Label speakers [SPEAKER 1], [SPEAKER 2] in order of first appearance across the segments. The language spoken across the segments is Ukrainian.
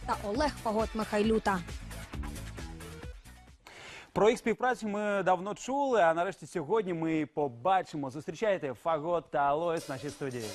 [SPEAKER 1] та Олег Фагот-Михайлюта.
[SPEAKER 2] Про їх співпрацю ми давно чули, а нарешті сьогодні ми побачимо. Зустрічайте Фагот та Алоїс в нашій студії.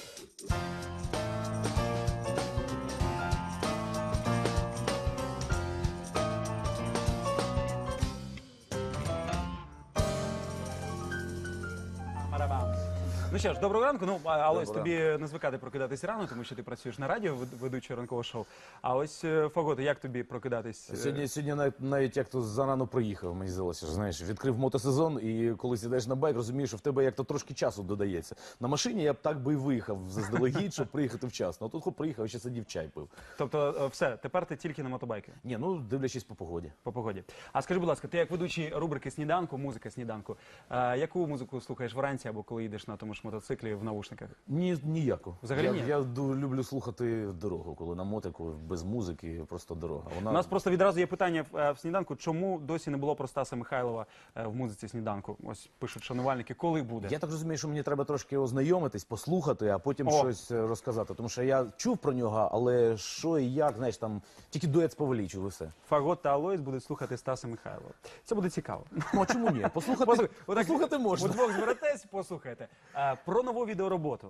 [SPEAKER 2] Ну що ж, доброго ранку. Ну, Алоїс, тобі не звикати прокидатись рано, тому що ти працюєш на радіо, ведучий ранкового шоу. А ось, Фаготе, як тобі прокидатись?
[SPEAKER 3] Сьогодні навіть як то зарано приїхав, мені здалося, знаєш, відкрив мотосезон, і коли сідаєш на байк, розумієш, що в тебе як то трошки часу додається. На машині я б так би і виїхав заздалегідь, щоб приїхати вчасно. А тут хоп, приїхав, ще сидів, чай пив.
[SPEAKER 2] Тобто, все, тепер ти тільки на мотобайки?
[SPEAKER 3] Ні, ну, дивлячись по погоді.
[SPEAKER 2] По погоді. А скажи, будь ласка, ти як ведучий рубрики «Сніданку», музика «Сніданку», яку музику слухаєш вранці або коли їдеш на тому ж мотоциклі в навушниках?
[SPEAKER 3] Ніяку.
[SPEAKER 2] Взагалі ні?
[SPEAKER 3] Я люблю слухати дорогу, коли на мотику, без музики, просто дорога.
[SPEAKER 2] У нас просто відразу є питання в «Сніданку», чому досі не було про Стаса Михайлова в музиці «Сніданку»? Ось пишуть шанувальники, коли буде?
[SPEAKER 3] Я так розумію, що мені треба трошки ознайомитись, послухати, а потім щось розказати. Тому що я чув про нього, але що і як, знаєш, там тільки дует з Павелічу, і все.
[SPEAKER 2] Фагот та Алоїс будуть слухати Стаса Михайлова. Це буде цікаво.
[SPEAKER 3] Ну, а чому ні? Послухати можна.
[SPEAKER 2] Удвох зберетесь, послухайте. Про нову відеороботу.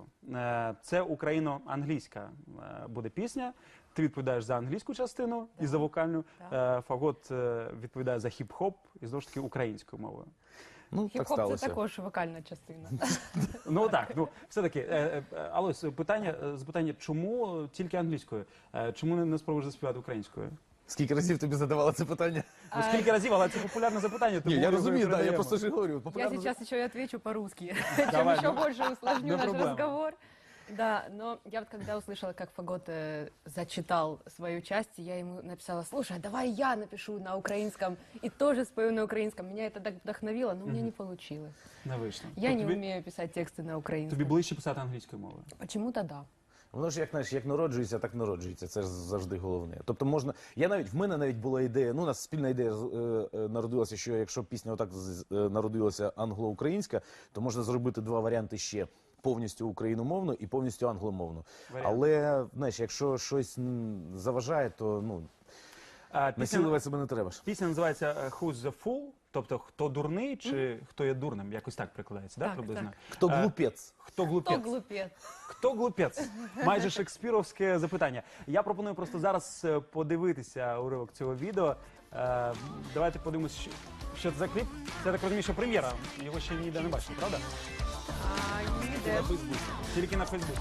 [SPEAKER 2] Це україно-англійська буде пісня. Ти відповідаєш за англійську частину і за вокальну. Фагот відповідає за хіп-хоп і, знову ж таки, українською мовою.
[SPEAKER 3] Ну, так
[SPEAKER 4] Хіп-хоп
[SPEAKER 3] сталося.
[SPEAKER 4] – це також вокальна частина.
[SPEAKER 2] Ну так, ну все-таки, Алоїс, запитання, чому тільки англійською? Чому не спробуєш заспівати українською?
[SPEAKER 3] Скільки разів тобі задавала це питання?
[SPEAKER 2] Ну скільки разів, але це популярне запитання.
[SPEAKER 3] Ні, я розумію, да, я просто ж говорю.
[SPEAKER 4] Я сейчас еще и отвечу по-русски,
[SPEAKER 2] Давай,
[SPEAKER 4] чем еще больше усложню наш
[SPEAKER 2] проблема.
[SPEAKER 4] разговор. Да, но я вот когда услышала, как Фагот зачитал свою часть, я ему написала: слушай, давай я напишу на украинском и тоже спою на украинском. Меня это так вдохновило, но у меня не получилось.
[SPEAKER 2] Не вийшло.
[SPEAKER 4] Я не умею писать тексты на украинском.
[SPEAKER 2] Тобі ближче писати англійською мовою?
[SPEAKER 4] Почему-то да.
[SPEAKER 3] Воно ж, як, знаєш, як народжується, так народжується. Це ж завжди головне. Тобто можна... В мене навіть була ідея, ну, у нас спільна ідея народилася, що якщо пісня отак народилася англо-українська, то можна зробити два варіанти ще. Повністю україномовну і повністю англомовну. Але, знаєш, якщо щось заважає, то, ну, насилувати себе не треба ж.
[SPEAKER 2] Пісня називається «Who's the fool», тобто «Хто дурний» чи «Хто є дурним», якось так прикладається, да,
[SPEAKER 4] Так,
[SPEAKER 2] приблизно?
[SPEAKER 4] так.
[SPEAKER 3] Хто глупець?
[SPEAKER 2] Хто глупець?
[SPEAKER 4] Кто глупец?
[SPEAKER 2] Хто глупець? Майже шекспіровське запитання. Я пропоную просто зараз подивитися уривок цього відео. Давайте подивимось, що це за кліп. Це, я так розумію, що прем'єра. Його ще ніде не бачили, правда?
[SPEAKER 4] Ніде.
[SPEAKER 2] Тільки на Фейсбуці.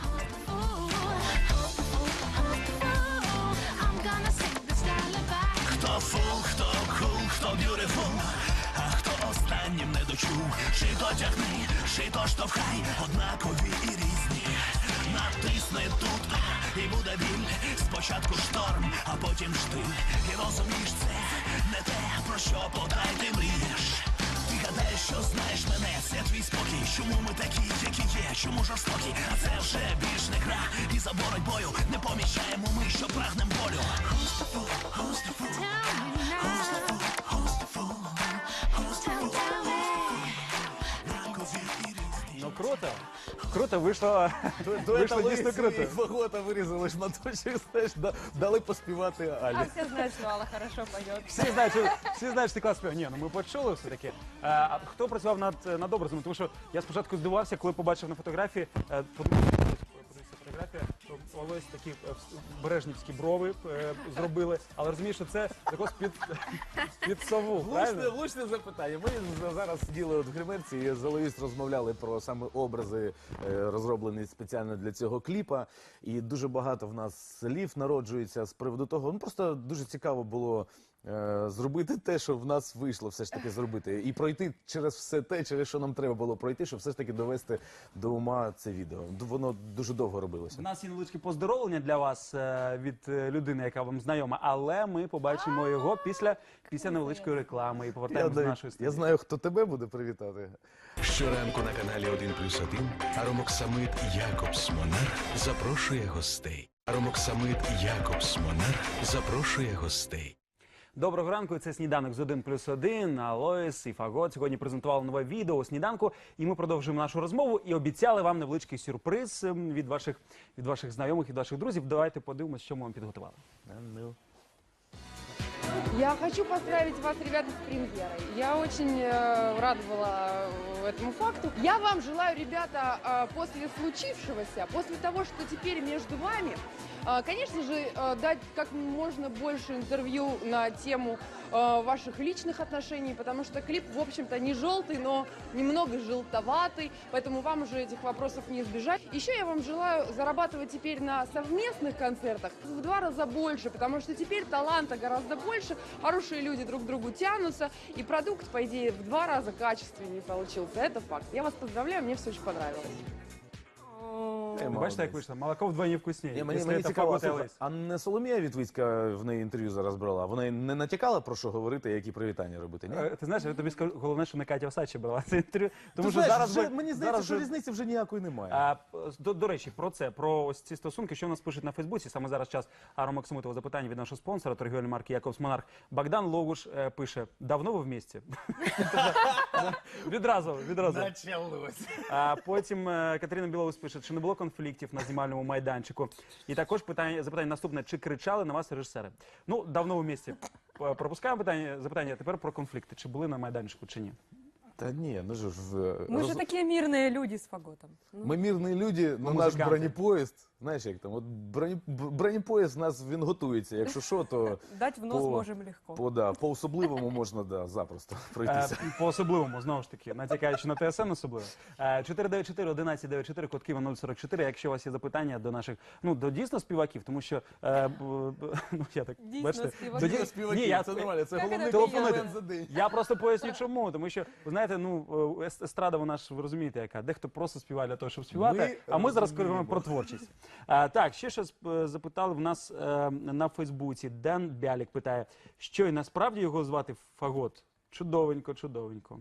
[SPEAKER 5] Хто фул, хто кул, хто б'ютифул, а хто останнім не дочув. Чи то тягни, чи то штовхай, однакові і різні. Натисни тут, і буде біль. Спочатку шторм, а потім штиль. І розумієш, це не те, про що подай ти мрієш. Ти гадаєш, що знаєш мене, це твій спокій. Чому ми такі, які є, чому жорстокі? А це вже більш не гра, і за боротьбою не помічаємо ми, що прагнем болю. Who's the fool? Who's the fool? Who's the fool? Who's the fool?
[SPEAKER 2] Ну круто. Круто, вийшло дійсно круто.
[SPEAKER 3] Фагота вирізали шматочок, знаєш, дали поспівати Алі.
[SPEAKER 4] А все знают, что Алла хорошо поет.
[SPEAKER 2] Всі знають, що ти клас співав. Ні, ну ми почули все-таки. А хто працював над образом? Тому що я спочатку здивувався, коли побачив на фотографії, то Алоїс такі бережнівські брови зробили, але розумієш, що це також під сову, правильно?
[SPEAKER 3] Влучне запитання. Ми зараз сиділи в гримерці і з Алоїс розмовляли про саме образи, розроблені спеціально для цього кліпа. І дуже багато в нас слів народжується з приводу того. Ну просто дуже цікаво було зробити те, що в нас вийшло все ж таки зробити. І пройти через все те, через що нам треба було пройти, щоб все ж таки довести до ума це відео. Воно дуже довго робилося.
[SPEAKER 2] У нас є невеличке поздоровлення для вас від людини, яка вам знайома, але ми побачимо його після невеличкої реклами і повертаємося до нашої студії.
[SPEAKER 3] Я знаю, хто тебе буде привітати.
[SPEAKER 5] Щоранку на каналі 1+1 Аромоксамид Якобс Монарх запрошує гостей. Аромоксамид Якобс Монарх запрошує гостей.
[SPEAKER 2] Доброго ранку, це «Сніданок з 1+1», Алоїс і Фагот. Сьогодні презентували нове відео «Сніданку», і ми продовжуємо нашу розмову і обіцяли вам невеличкий сюрприз від ваших знайомих, від ваших друзів. Давайте подивимось, що ми вам підготували.
[SPEAKER 6] Я хочу поздравить вас, ребята, с премьерой. Я очень рада была этому факту. Я вам желаю, ребята, после случившегося, после того, что теперь между вами, конечно же, дать как можно больше интервью на тему ваших личных отношений, потому что клип, в общем-то, не желтый, но немного желтоватый, поэтому вам уже этих вопросов не избежать. Еще я вам желаю зарабатывать теперь на совместных концертах в 2 раза больше, потому что теперь таланта гораздо больше, хорошие люди друг к другу тянутся, и продукт, по идее, в 2 раза качественнее получился. Это факт. Я вас поздравляю, мне все очень понравилось.
[SPEAKER 2] Ви бачите, як вийшло? Молоко вдвойні вкусніше.
[SPEAKER 3] Мені цікаво, а не Соломія Вітвицька в неї інтерв'ю зараз брала? Вона не натякала, про що говорити, які привітання робити, ні?
[SPEAKER 2] Ти знаєш, я тобі скажу, головне, що не Катя Осадча брала це інтерв'ю. Тому що
[SPEAKER 3] Знаєш,
[SPEAKER 2] зараз
[SPEAKER 3] мені здається, що різниці вже ніякої немає.
[SPEAKER 2] До речі, про ось ці стосунки, що в нас пишуть на Фейсбуці. Саме зараз час Ару Максимутова запитання від нашого спонсора, торгівельної марки Якобс Монарх. Богдан Логуш пише: давно ви в місті? Відразу.
[SPEAKER 3] Началось.
[SPEAKER 2] А потім Катерина Білоус пише, чи не було конфліктів на знімальному майданчику. І також запитання наступне, чи кричали на вас режисери? Ну, давно в місті. Пропускаємо запитання, тепер про конфлікти. Чи були на майданчику, чи ні?
[SPEAKER 3] Та ні, ну ж
[SPEAKER 4] Мы же такие мирные люди с Фаготом. Ну,
[SPEAKER 3] Ми мирні люди, ну наш
[SPEAKER 2] музиканти.
[SPEAKER 3] бронепоїзд, знаєш як там, от бронепоїзд у нас, він готується, якщо що, то
[SPEAKER 4] дать в нос
[SPEAKER 3] по-
[SPEAKER 4] можем легко.
[SPEAKER 3] по-особливому можна, запросто пройтися.
[SPEAKER 2] По-особливому, знову ж таки, натякаючи на ТСН особливо. 494-1194, код Києва 044, якщо у вас є запитання до наших, ну, до дійсно співаків, тому що, ну, я так,
[SPEAKER 4] Дійсно
[SPEAKER 2] бачите,
[SPEAKER 4] співаків.
[SPEAKER 2] Ні, я,
[SPEAKER 3] це нормально, це
[SPEAKER 4] Як
[SPEAKER 3] головний
[SPEAKER 4] це
[SPEAKER 3] комплімент
[SPEAKER 2] приємно?
[SPEAKER 3] за день.
[SPEAKER 2] я просто поясню чому, тому що, ви знаєте, ну, естрада, вона ж, ви розумієте, яка, дехто просто співає для того, щоб співати, а ми зараз говоримо про творчість. Так, ще щось запитали в нас на Фейсбуці. Ден Бялік питає, що і насправді його звати Фагот? Чудовенько, чудовенько.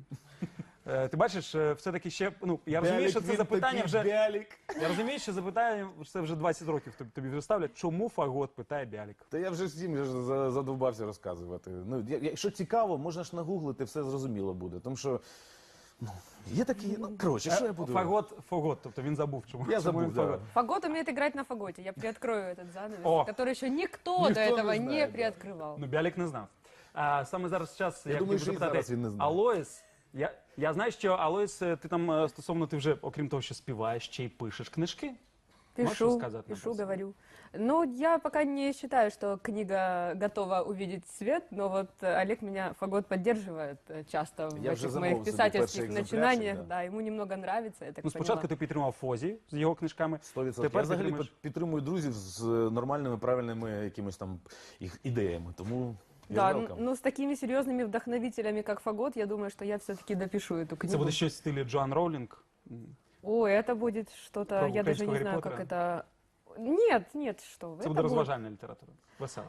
[SPEAKER 2] Ти бачиш, все-таки ще, ну, я розумію, що це запитання вже, я розумію, що запитання, це вже 20 років тобі вже ставлять. Чому Фагот, питає Бялік.
[SPEAKER 3] Та я вже всім задовбався розказувати. Ну, якщо цікаво, можна ж нагуглити, все зрозуміло буде. Тому що, ну, є такі, ну, коротше, що я буду...
[SPEAKER 2] Фагот, тобто він забув, чому.
[SPEAKER 3] Я
[SPEAKER 2] чому
[SPEAKER 3] забув,
[SPEAKER 2] він
[SPEAKER 3] да.
[SPEAKER 2] Фагот.
[SPEAKER 4] Фагот умеет играть на фаготе. Я приоткрою этот занавес,
[SPEAKER 2] О.
[SPEAKER 4] который еще никто
[SPEAKER 3] Никто
[SPEAKER 4] до этого
[SPEAKER 3] не
[SPEAKER 4] не
[SPEAKER 3] знает, да.
[SPEAKER 4] приоткрывал.
[SPEAKER 2] Ну, Бялік не знав. Саме зараз час,
[SPEAKER 3] Я думаю, що і зараз він не знає.
[SPEAKER 2] Алоїс, я знаю, що Алоїс, ти там стосовно, ти вже, окрім того, що співаєш, ще й пишеш книжки. Можешь
[SPEAKER 4] Пишу,
[SPEAKER 2] рассказать нам
[SPEAKER 4] пишу,
[SPEAKER 2] про это?
[SPEAKER 4] говорю. Ну, я пока не считаю, что книга готова увидеть свет, но вот Олег меня, Фагот, поддерживает часто в
[SPEAKER 3] Я уже
[SPEAKER 4] этих
[SPEAKER 3] замовил
[SPEAKER 4] моих
[SPEAKER 3] себе
[SPEAKER 4] писательских
[SPEAKER 3] перший
[SPEAKER 4] начинаниях.
[SPEAKER 3] экземплярчик,
[SPEAKER 4] Да, ему немного нравится, я так
[SPEAKER 2] Ну, спочатку
[SPEAKER 4] поняла.
[SPEAKER 2] ти підтримав Фозі з його книжками.
[SPEAKER 3] 100%.
[SPEAKER 2] Тепер
[SPEAKER 3] Я взагалі
[SPEAKER 2] підтримуєш-
[SPEAKER 3] підтримую друзів з нормальними, правильними якимось там їх ідеями. Тому я
[SPEAKER 4] Да,
[SPEAKER 3] welcome.
[SPEAKER 4] ну с такими серьезными вдохновителями, как Фагот, я думаю, что я все-таки допишу эту книгу.
[SPEAKER 2] Це буде щось в стилі Джоан Роулінг.
[SPEAKER 4] Ой, это будет что-то,
[SPEAKER 2] Про
[SPEAKER 4] я даже не
[SPEAKER 2] украинского
[SPEAKER 4] знаю,
[SPEAKER 2] Гарри
[SPEAKER 4] как это... Нет, что вы.
[SPEAKER 2] Це буде розважальна література. Весела.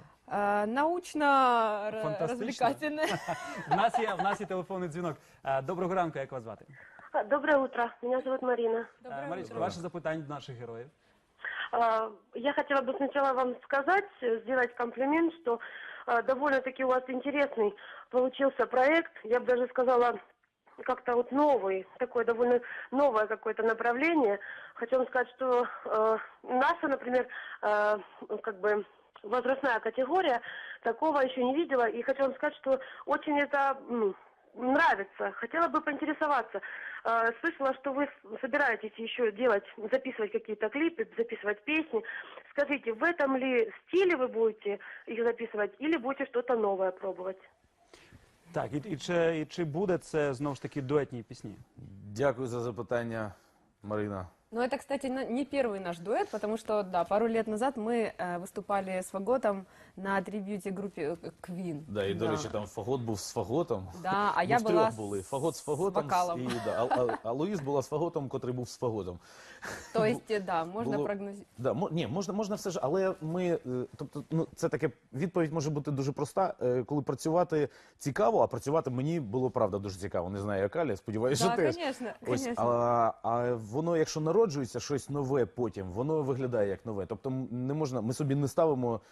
[SPEAKER 4] Научно-развлекательная.
[SPEAKER 2] В нас є телефонний дзвінок. Доброго ранку, як вас звати?
[SPEAKER 7] Доброе утро, меня зовут Марина.
[SPEAKER 2] Марічка, ваше запитання до наших героїв.
[SPEAKER 7] Я хотела бы сначала вам сказать, сделать комплимент, что довольно-таки у вас интересный получился проект. Я бы даже сказала, как-то вот новый, такое довольно новое какое-то направление. Хочу вам сказать, что наша, например, как бы возрастная категория такого еще не видела. И хочу вам сказать, что очень это нравится. Хотела бы поинтересоваться. Слышала, что вы собираетесь еще записывать какие-то клипы, записывать песни. Скажите, в этом ли стиле вы будете их записывать или будете что-то новое пробовать?
[SPEAKER 2] Так, і чи буде це, знову ж таки, дуетні пісні?
[SPEAKER 3] Дякую за запитання, Марина.
[SPEAKER 4] Ну, это, кстати, не первый наш дуэт, потому что, да, пару лет назад мы выступали с Фаготом на трибьюте-группе Queen.
[SPEAKER 3] Да, і, до речі, там Фагот був з Фаготом.
[SPEAKER 4] Да, а
[SPEAKER 3] Ми
[SPEAKER 4] я
[SPEAKER 3] втрьох
[SPEAKER 4] была
[SPEAKER 3] були.
[SPEAKER 4] с
[SPEAKER 3] Фагот з Фаготом,
[SPEAKER 4] вокалом.
[SPEAKER 3] і, а Луїс була з Фаготом, котрий був з Фаготом.
[SPEAKER 4] То есть, да, можно
[SPEAKER 3] Було-
[SPEAKER 4] прогнозировать.
[SPEAKER 3] Да, ні, можна все ж, але ми, тобто, ну, це таке, відповідь може бути дуже проста. Коли працювати цікаво, а працювати мені було, правда, дуже цікаво. Не знаю, як Аля, сподіваюся,
[SPEAKER 4] Да,
[SPEAKER 3] що теж.
[SPEAKER 4] конечно,
[SPEAKER 3] Ось,
[SPEAKER 4] конечно.
[SPEAKER 3] а воно, якщо народжується щось нове потім, воно виглядає як нове. Тобто не можна, ми собі не ставимо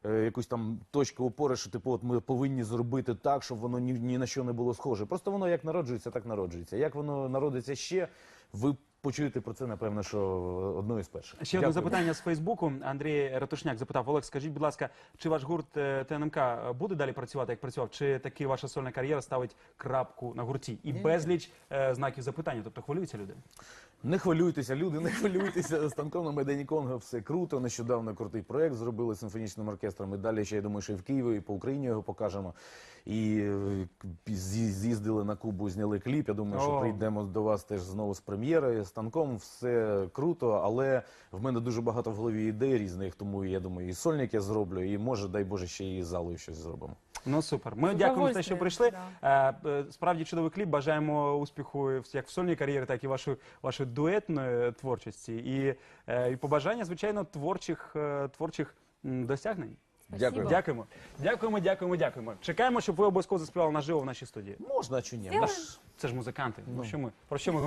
[SPEAKER 3] якусь там точку опори, що типу, от ми повинні зробити так, щоб воно ні на що не було схоже. Просто воно як народжується, так народжується. Як воно народиться ще, ви почуєте про це, напевно, що одною з перших.
[SPEAKER 2] Ще одне
[SPEAKER 3] Дякую.
[SPEAKER 2] запитання з Фейсбуку. Андрій Ратушняк запитав: Олег, скажіть, будь ласка, чи ваш гурт ТНМК буде далі працювати, як працював? Чи таки ваша сольна кар'єра ставить крапку на гурті? І безліч знаків запитання. Тобто хвилюються люди?
[SPEAKER 3] Не хвилюйтеся, люди, не хвилюйтеся. Станком на Майдані Конго все круто. Нещодавно крутий проект зробили з симфонічним оркестром. І далі ще, я думаю, що і в Києві, і по Україні його покажемо. І з'їздили на Кубу, зняли кліп. Я думаю, що прийдемо до вас теж знову з прем'єрою. Станком все круто, але в мене дуже багато в голові ідей різних, тому я думаю, і сольник я зроблю, і може, дай Боже, ще і з залою щось зробимо.
[SPEAKER 2] Ну супер. Ми
[SPEAKER 4] З
[SPEAKER 2] дякуємо за те, що прийшли.
[SPEAKER 4] удовольствием,
[SPEAKER 2] Справді чудовий кліп. Бажаємо успіху як в сольній кар'єрі, так і вашої дуетної творчості. І побажання, звичайно, творчих досягнень.
[SPEAKER 3] Дякую.
[SPEAKER 2] Дякуємо. Чекаємо, щоб ви обов'язково заспівали наживо в нашій студії.
[SPEAKER 3] Можна чи ні?
[SPEAKER 2] Це ж музиканти. Про що ми